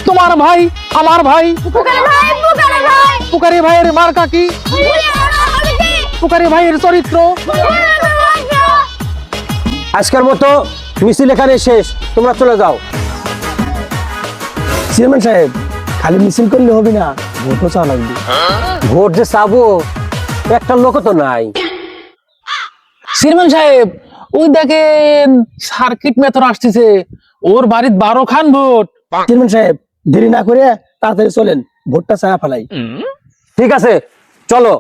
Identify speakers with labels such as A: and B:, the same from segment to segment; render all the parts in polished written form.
A: তোমার ভাই আমার ভাই পুকারি ভাইয়ের মার্কা কি? পুকারি ভাইয়ের চরিত্র।
B: আজকের মতো মিছিল এখানে শেষ, তোমরা চলে যাও।
C: চেয়ারম্যান সাহেব, খালি মিছিল করলে হবে না, ভোটও চাওয়া লাগবে।
B: ভোট যে চাবো, একটা লোক তো নাই।
A: চেয়ারম্যান সাহেব, ওই দেখেন সার্কিট মেথর আসতেছে, ওর বাড়ির 12 খান ভোট।
C: চেয়ারম্যান সাহেব, দেরি না করে তাড়াতাড়ি চলেন, ভোটটা ছায়া ফেলাই।
B: ঠিক আছে, চলো।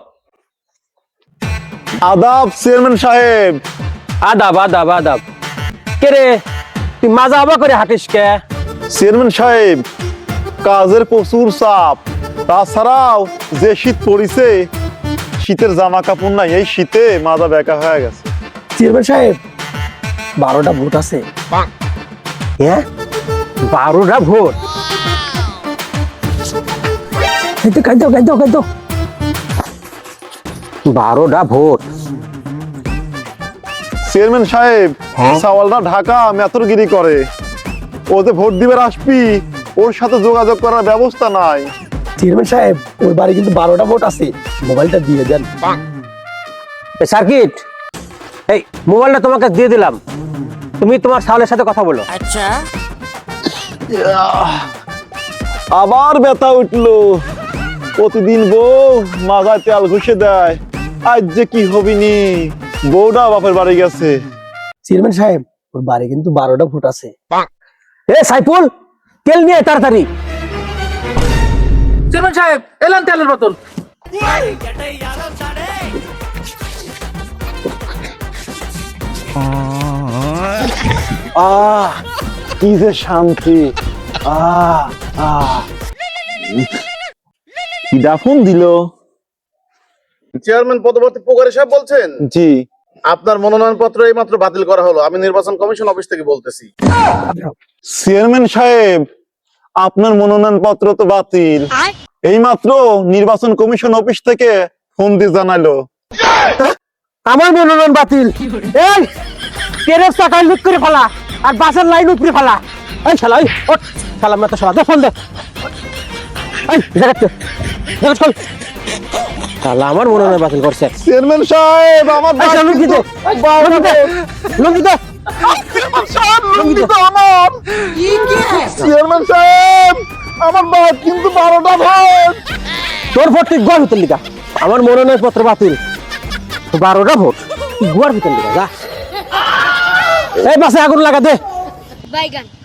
D: আদাব চেয়ারম্যান সাহেব।
B: আদাব আদাব আদাব। কে রে, তুই মাজা আবা করে হাঁটিস কে?
D: চেয়ারম্যান সাহেব, কাজের প্রচুর চাপ, তাছাড়াও যে শীত পড়িছে, শীতের জামা কাপড় নাই, এই শীতে মাজা বেঁকা হয়ে গেছে।
C: চেয়ারম্যান সাহেব, 12টা ভোট আছে।
B: হ্যাঁ, 12টা ভোট?
C: খাইতো
B: 12টা ভোট?
D: চেয়ারম্যান সাহেব, সাওয়ালটা ঢাকা মেথরগিরি করে, ও যে ভোট দিবার আসবি, ওর সাথে যোগাযোগ করার ব্যবস্থা নাই।
C: চেয়ারম্যান সাহেব, ওই বাড়ি কিন্তু 12টা ভোট আছে, মোবাইলটা দিয়ে দেন।
B: সার্কিট, এই মোবাইলটা তোমাকে দিয়ে দিলাম, তুমি তোমার সাওয়ালের সাথে কথা বলো।
D: আবার ব্যথা উঠলো, প্রতিদিন বউ মাথায় তেল ঘষে দেয়, আজ যে কি হবিনি, বউটা বাপের বাড়ি গেছে।
C: চেয়ারম্যান সাহেব, ওই বাড়ি কিন্তু 12টা ভোট আছে।
B: এ সাইফুল, তেল নিয়ে তাড়াতাড়ি।
A: চেয়ারম্যান সাহেব, এলেন তেলের বোতল।
D: আহ কি যে শান্তি। কি ফোন দিল?
E: চেয়ারম্যান পদবর্তী পুকারি সাহেব বলছেন?
D: জি।
E: আপনার মনোনয়নপত্র এইমাত্র বাতিল করা হলো, আমি নির্বাচন কমিশন অফিস থেকে বলতেছি।
D: চেয়ারম্যান সাহেব, আপনার মনোনয়ন পত্র তো বাতিল, এইমাত্র নির্বাচন কমিশন অফিস থেকে ফোন দিয়ে জানালো।
B: আমার মনোনয়ন বাতিল? এই ট্রেনের চাকায় লুট করে ফেলা আর বাসের লাইন উপরে ফেলা। এই শালা, এই ওঠ শালা, মেতো শালা, দে ফোন দে। এই জায়গাতে চল শালা, আমার মনোনয়ন বাতিল করছে।
D: চেয়ারম্যান সাহেব, আমার
B: এই শালা, লুঙ্গি দে, লুঙ্গি দে, লুঙ্গি দে।
D: চেয়ারম্যান সাহেব, আমার বাদ কিন্তু 12টা ভোট।
B: তোর ভোট তুই গোয়ার ভিতর লিখা, আমার মনোনয়ন পত্র বাতিল। 12টা ভোট তুই গোয়ার ভিতর লিখা, যা। এই বাসে আগুন লাগা দে।
F: বাইগান।